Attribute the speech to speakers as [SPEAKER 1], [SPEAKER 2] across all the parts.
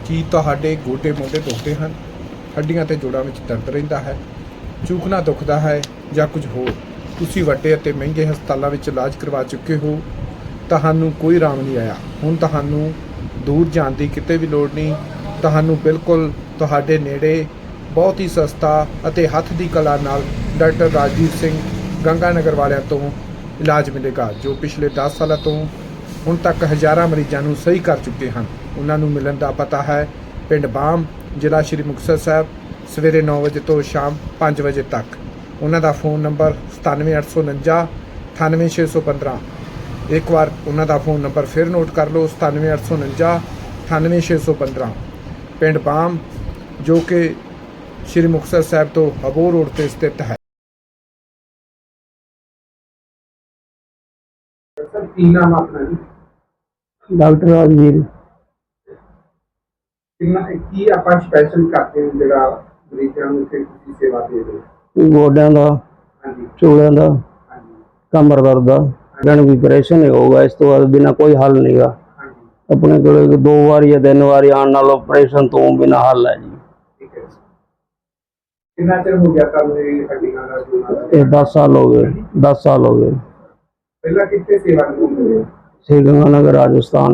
[SPEAKER 1] ਕੀ ਤੁਹਾਡੇ ਗੋਡੇ ਮੋਢੇ ਦੁਖਦੇ ਹਨ, ਹੱਡੀਆਂ ਤੇ ਜੋੜਾਂ ਵਿੱਚ ਦਰਦ ਰਹਿੰਦਾ ਹੈ, ਚੂਕਣਾ ਦੁਖਦਾ ਹੈ ਜਾਂ ਕੁਝ ਹੋਰ? ਤੁਸੀਂ ਵੱਡੇ ਅਤੇ ਮਹਿੰਗੇ ਹਸਪਤਾਲਾਂ ਵਿੱਚ ਇਲਾਜ ਕਰਵਾ ਚੁੱਕੇ ਹੋ, ਤੁਹਾਨੂੰ ਕੋਈ ਆਰਾਮ ਨਹੀਂ ਆਇਆ। ਹੁਣ ਤੁਹਾਨੂੰ ਦੂਰ ਜਾਣ ਦੀ ਕਿਤੇ ਵੀ ਲੋੜ ਨਹੀਂ। ਤੁਹਾਨੂੰ ਬਿਲਕੁਲ ਤੁਹਾਡੇ ਨੇੜੇ ਬਹੁਤ ਹੀ ਸਸਤਾ ਅਤੇ ਹੱਥ ਦੀ ਕਲਾ ਨਾਲ ਡਾਕਟਰ ਰਾਜਵੀਰ ਸਿੰਘ ਗੰਗਾਨਗਰ ਵਾਲਿਆਂ ਤੋਂ ਇਲਾਜ ਮਿਲੇਗਾ, ਜੋ ਪਿਛਲੇ 10 ਸਾਲਾਂ ਤੋਂ ਹੁਣ ਤੱਕ ਹਜ਼ਾਰਾਂ ਮਰੀਜ਼ਾਂ ਨੂੰ ਸਹੀ ਕਰ ਚੁੱਕੇ ਹਨ। ਉਹਨਾਂ ਨੂੰ ਮਿਲਣ ਦਾ ਪਤਾ ਹੈ ਪਿੰਡ ਬਾਮ, ਜ਼ਿਲ੍ਹਾ ਸ਼੍ਰੀ ਮੁਕਤਸਰ ਸਾਹਿਬ, ਸਵੇਰੇ 9 ਵਜੇ ਤੋਂ ਸ਼ਾਮ 5 ਵਜੇ ਤੱਕ। ਉਹਨਾਂ ਦਾ ਫ਼ੋਨ ਨੰਬਰ 97849 98615। ਇੱਕ ਵਾਰ ਉਹਨਾਂ ਦਾ ਫ਼ੋਨ ਨੰਬਰ ਫਿਰ ਨੋਟ ਕਰ ਲਓ, 97849 98615। ਪਿੰਡ ਬਾਮ, ਜੋ ਕਿ ਸ਼੍ਰੀ ਮੁਕਤਸਰ ਸਾਹਿਬ ਤੋਂ ਅਬੋਹਰ ਰੋਡ 'ਤੇ ਸਥਿਤ ਹੈ। ਸਰ, ਕੀ ਨਾਮ ਆਪਣਾ ਜੀ?
[SPEAKER 2] डॉक्टर राजवीर।
[SPEAKER 1] ਕੀ ਆਪਾਂ ਸਪੈਸ਼ਲ ਕਰਦੇ ਹਾਂ ਜਿਹੜਾ ਮਰੀਜ਼ਾਂ ਨੂੰ ਇੱਥੇ ਤੁਸੀਂ ਸੇਵਾ ਦੇ ਰਹੇ ਹੋ?
[SPEAKER 2] गोड्या का,
[SPEAKER 1] ਹਾਂਜੀ
[SPEAKER 2] चूड़िया का,
[SPEAKER 1] ਹਾਂਜੀ
[SPEAKER 2] कमर दर्द का जन भी ऑपरेशन ही होगा। इस तो बाद बिना कोई हल नहीं गा।
[SPEAKER 1] ਹਾਂਜੀ
[SPEAKER 2] अपने को 2 बार या 3 बार आने वाला ऑपरेशन तो बिना हल है जी।
[SPEAKER 1] ਠੀਕ ਹੈ। ਕਿੰਨਾ ਚਿਰ ਹੋ ਗਿਆ ਤੁਹਾਨੂੰ ਇਹ ਹੱਡੀਆਂ ਦਾ ਜੋੜਾਂ ਦਾ?
[SPEAKER 2] ये 10 साल हो गए, 10 साल हो गए।
[SPEAKER 1] ਪਹਿਲਾਂ ਕਿੱਥੇ ਸੇਵਾ ਨਿਭਾਉਂਦੇ ਰਹੇ?
[SPEAKER 2] श्रीगंगानगर राजस्थान।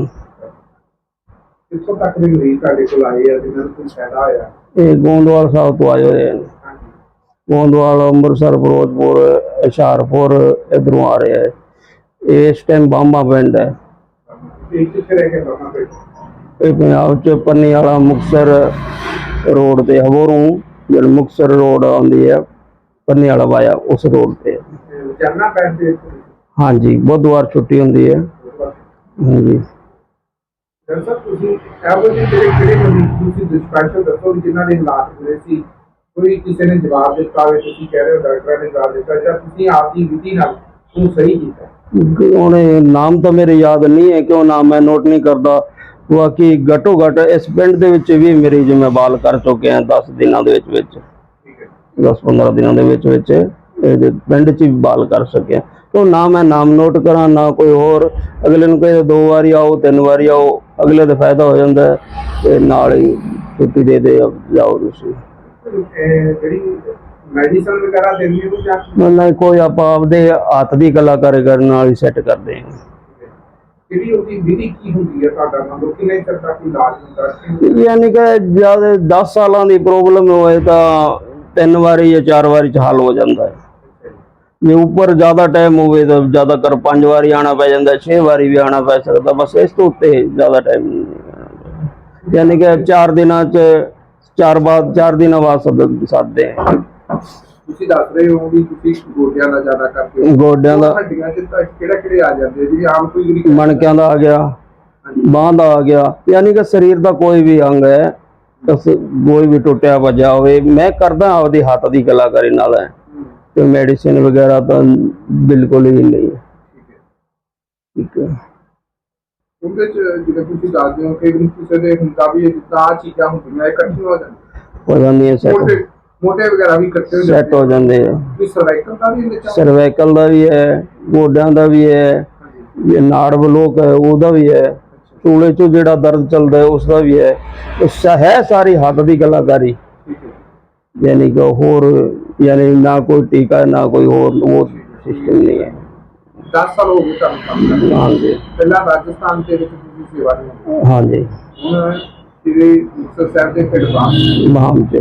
[SPEAKER 1] ਕਿੱਥੋਂ ਤੱਕ ਦੇ ਮਰੀਜ਼ ਤੁਹਾਡੇ ਕੋਲ ਆਏ ਆ ਜਿਨ੍ਹਾਂ ਨੂੰ ਕੋਈ ਫਾਇਦਾ ਹੋਇਆ?
[SPEAKER 2] ये गोंदवाल साहब तो आए हुए हैं।
[SPEAKER 1] ਹਾਂਜੀ
[SPEAKER 2] गोंदवाल, अमृतसर, फिरोजपुर, हुशियारपुर इधरों आ रहे हैं। ये इस टाइम बामा पिंड है।
[SPEAKER 1] ਤੇ ਕਿੱਥੇ ਰਹਿ ਕੇ ਬਾਬਾ ਬੈਠੇ?
[SPEAKER 2] ये पंजाब च पन्नी वाला मुक्तसर रोड ते अबोहरों जो मुक्तसर रोड आती है पन्नी वाला वाया उस रोड पे।
[SPEAKER 1] ਜਾਨਾ ਪੈਂਦੇ?
[SPEAKER 2] हाँ जी, बुधवार छुट्टी होती है। हाँ जी।
[SPEAKER 1] ਡਾਕਟਰ ਸਾਹਿਬ, ਤੁਸੀਂ ਇਹੋ ਜਿਹੇ ਕਿਹੜੇ ਮਰੀਜ਼ ਤੁਸੀਂ ਸਪੈਸ਼ਲ ਦੱਸੋ ਜਿਨ੍ਹਾਂ ਦੇ ਹਾਲਾਤ ਹੋਏ ਸੀ, ਕੋਈ ਕਿਸੇ ਨੇ ਜਵਾਬ ਦਿੱਤਾ ਹੋਵੇ, ਤੁਸੀਂ ਕਹਿ ਰਹੇ ਹੋ ਡਾਕਟਰਾਂ ਨੇ ਜਵਾਬ ਦਿੱਤਾ, ਜਾਂ ਤੁਸੀਂ ਆਪ ਦੀ ਵਿਧੀ ਨਾਲ ਉਹਨੂੰ ਸਹੀ ਕੀਤਾ?
[SPEAKER 2] उन्हें नाम तो मेरे याद नहीं है, क्यों नाम मैं नोट नहीं करता। बाकी घटो घट इस पिंड दे विच भी मरीज मैं बाल कर चुके हैं 10 दिनों दे विच,
[SPEAKER 1] ਠੀਕ ਹੈ
[SPEAKER 2] 10-15 दिनों दे विच पिंड च भी बाल कर सके। तो ना मैं नाम नोट करा ना कोई होर। अगले नूं कहे 2 बारी आओ 3 बारी आओ, अगले तो फायदा हो जाता है ते नाल ही छुट्टी दे जाओ तुसीं।
[SPEAKER 1] ਜਿਹੜੀ ਮੈਡੀਸਨ ਵਗੈਰਾ ਦਿੰਦੇ ਹੋ ਜਾਂ
[SPEAKER 2] नहीं कोई आप आपदे हत्थ दी कलाकारी करन नाल ही सैट करदे हैं।
[SPEAKER 1] ਜਿਹੜੀ ਉਹਦੀ ਵਿਧि ਕੀ ਹੁੰਦੀ ਹੈ ਤੁਹਾਡਾ? ਮਤਲਬ ਕਿੰਨੇ ਚਿਰ ਤੱਕ ਇਲਾਜ ਹੁੰਦਾ?
[SPEAKER 2] यानी कि जब 10 साल की प्रॉब्लम होए तो 3 बारी या 4 बारी च हल हो जाता है। जे ऊपर ज़्यादा टाइम हो तो ज़्यादातर 5 बारी आना पै जाता है, 6 बारी भी आना पै सकता। बस इस तो उत्ते ज़्यादा टाइम नहीं, यानी कि 4 दिनों च 4 दिनों बाद सदते हैं।
[SPEAKER 1] ਤੁਸੀਂ ਦੱਸ ਰਹੇ ਹੋ ਵੀ ਤੁਸੀਂ ਗੋਡਿਆਂ ਦਾ ਜ਼ਿਆਦਾ ਕਰਦੇ ਹੋ।
[SPEAKER 2] गोड्या का,
[SPEAKER 1] ਹੱਡੀਆਂ ਚ ਤਾਂ ਕਿਹੜੇ ਆ ਜਾਂਦੇ ਜੀ? ਆਮ ਕੋਈ ਜਿਹੜੀ
[SPEAKER 2] मणकों का आ गया, बांह का आ गया, यानी कि शरीर का कोई भी अंग है, कोई भी टुटिया भजा हो। मैं करदा आपदी हत्थ की कलाकारी नाल है, तो मेडिसिन वगैरह तो बिल्कुल ही नहीं है। ठीक है।
[SPEAKER 1] ਉਹਦੇ ਚ ਜਿਵੇਂ ਤੁਸੀਂ ਦੱਸਦੇ ਹੋ ਕਿ ਕਿਸੇ ਦੇ ਹੁੰਦਾ ਵੀ ਜਿੱਦਾਂ ਆਹ ਚੀਜ਼ਾਂ ਹੁੰਦੀਆਂ ਇਕੱਠੀਆਂ ਹੋ ਜਾਂਦੀਆਂ,
[SPEAKER 2] हो जाती है सेट,
[SPEAKER 1] ਮੋਟੇ ਵਗੈਰਾ ਵੀ ਇਕੱਠੇ ਹੋ
[SPEAKER 2] सेट हो
[SPEAKER 1] ਜਾਂਦੇ
[SPEAKER 2] जाते हैं।
[SPEAKER 1] ਵੀ ਸਰਵਾਈਕਲ ਦਾ ਵੀ ਇਹਦੇ ਚ?
[SPEAKER 2] सर्वाइकल का भी है, गोड्या का भी है, ये नाड़ बलोक है उसका भी है, चूड़े चो जेड़ा दर्द चलता है उसका भी है। तो है सारी हत्थ की कलाकारी,
[SPEAKER 1] ਠੀਕ ਹੈ।
[SPEAKER 2] यानी कि होर यानी ना कोई टीका है ना कोई और वो सिस्टम नहीं है।
[SPEAKER 1] 10 ਸਾਲ ਹੋ ਗਏ ਤੁਹਾਨੂੰ ਕੰਮ ਕਰਦੇ?
[SPEAKER 2] हाँ जी,
[SPEAKER 1] ਪਹਿਲਾਂ ਰਾਜਸਥਾਨ ਦੇ ਵਿੱਚ ਤੁਸੀਂ ਸੇਵਾ ਨਿਭਾਈ,
[SPEAKER 2] हाँ जी।
[SPEAKER 1] ਹੁਣ ਸ੍ਰੀ ਮੁਕਤਸਰ ਸਾਹਿਬ ਦੇ ਪਿੰਡ ਬਾਮ।
[SPEAKER 2] महाम से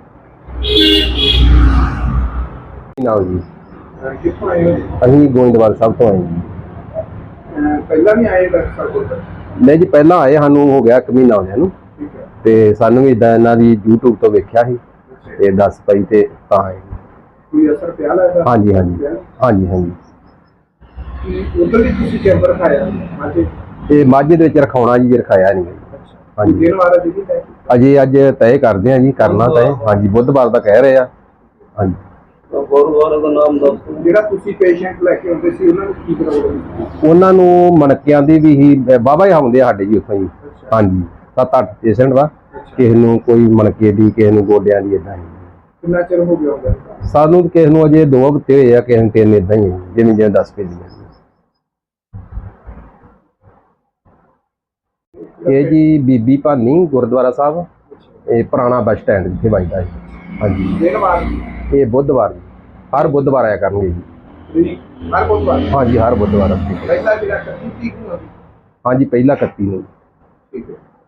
[SPEAKER 3] ਨਾਮ ਜੀ,
[SPEAKER 1] ਕਿੱਥੋਂ ਆਏ ਹੋ?
[SPEAKER 3] ਅਸੀਂ ਗੋਇੰਦਵਾਲ ਸਾਹਿਬ ਤੋਂ ਆਏ ਜੀ।
[SPEAKER 1] ਪਹਿਲਾਂ ਨਹੀਂ ਆਏ ਡਾਕਟਰ ਸਾਹਿਬ ਕੋਲ?
[SPEAKER 3] ਨਹੀਂ ਜੀ, ਪਹਿਲਾਂ ਆਏ, ਸਾਨੂੰ ਹੋ ਗਿਆ 1 ਮਹੀਨਾ ਹੋ ਗਿਆ ਨੂੰ,
[SPEAKER 1] ਠੀਕ ਹੈ।
[SPEAKER 3] ਤੇ ਸਾਨੂੰ ਵੀ ਇਦਾਂ ਇਹਨਾਂ ਦੀ YouTube ਤੋਂ ਵੇਖਿਆ ਸੀ ਤੇ ਦੱਸ ਪਈ ਤੇ ਤਾਂ ਆਏ ਜੀ।
[SPEAKER 1] ਕੋਈ ਅਸਰ ਪਿਆ ਲੱਗਦਾ?
[SPEAKER 3] ਹਾਂਜੀ ਹਾਂਜੀ ਹਾਂਜੀ ਹਾਂਜੀ।
[SPEAKER 1] ਉਧਰ ਵੀ ਤੁਸੀਂ ਕੈਂਪਰ ਖਾਇਆ ਅੱਜ?
[SPEAKER 3] ਤੇ ਮਾਝੇ ਦੇ ਵਿੱਚ ਰਖਾਉਣਾ ਜੀ, ਰਖਾਇਆ ਨਹੀਂ ਜੀ। ਹਾਂਜੀ,
[SPEAKER 1] ਦਿਨ ਵਾਰਾ ਜੀ ਹੈ
[SPEAKER 3] ਅਜੇ ਅੱਜ ਤੈਅ ਕਰਦੇ ਆ ਜੀ, ਕਰਨਾ ਤੈਅ। ਹਾਂਜੀ, ਬੁੱਧਵਾਰ ਦਾ ਕਹਿ ਰਹੇ ਆ। ਹਾਂਜੀ,
[SPEAKER 2] गुरुद्वारा का नाम दस।
[SPEAKER 1] ਜਿਹੜਾ ਤੁਸੀਂ ਪੇਸ਼ੈਂਟ ਲੈ ਕੇ ਆਉਂਦੇ ਸੀ ਉਹਨਾਂ ਨੂੰ ਕੀ ਪ੍ਰੋਬਲਮ ਸੀ?
[SPEAKER 3] ਉਹਨਾਂ ਨੂੰ ਮਣਕਿਆਂ ਦੀ ਵੀ ਹੀ ਬਾਬਾ ਹੀ ਆਉਂਦੇ ਆ ਸਾਡੇ ਜੀ ਉੱਥੋਂ ਜੀ। ਹਾਂਜੀ, 7-8 ਪੇਸ਼ੈਂਟ ਵਾ। ਕਿਸੇ ਨੂੰ ਕੋਈ ਮਣਕੇ ਦੀ, ਕਿਸੇ ਨੂੰ ਗੋਡਿਆਂ ਦੀ, ਇਦਾਂ ਹੀ।
[SPEAKER 1] ਕਿੰਨਾ ਚਿਰ ਹੋ ਗਿਆ ਹੁੰਦਾ?
[SPEAKER 3] ਸਾਨੂੰ ਕਿਸੇ ਨੂੰ ਅਜੇ 2 ਹਫ਼ਤੇ ਹੋਏ ਆ, ਕਿਸੇ ਨੂੰ 3, ਇਦਾਂ ਹੀ ਹੈ ਜਿਵੇਂ ਜਿਵੇਂ ਦੱਸ ਕੇ ਜੀ। ਇਹ ਜੀ ਬੀਬੀ ਭਾਨੀ ਗੁਰਦੁਆਰਾ ਸਾਹਿਬ, ਇਹ ਪੁਰਾਣਾ ਬੱਸ ਸਟੈਂਡ ਜਿੱਥੇ ਵੱਜਦਾ ਜੀ। ਹਾਂਜੀ
[SPEAKER 1] ਦਿਨ ਵਾਰ
[SPEAKER 3] ਇਹ ਬੁੱਧਵਾਰ ਜੀ, ਹਰ ਬੁੱਧਵਾਰ ਆਇਆ ਕਰਨਗੇ ਜੀ।
[SPEAKER 1] ਹਰ ਬੁੱਧਵਾਰ
[SPEAKER 3] ਹਾਂਜੀ ਹਰ ਬੁੱਧਵਾਰ।
[SPEAKER 1] ਪਹਿਲਾ ਜਿਹੜਾ 31 ਤਰੀਕ ਨੂੰ ਆ।
[SPEAKER 3] ਹਾਂਜੀ ਪਹਿਲਾ 31 ਨੂੰ।
[SPEAKER 1] ਠੀਕ ਹੈ।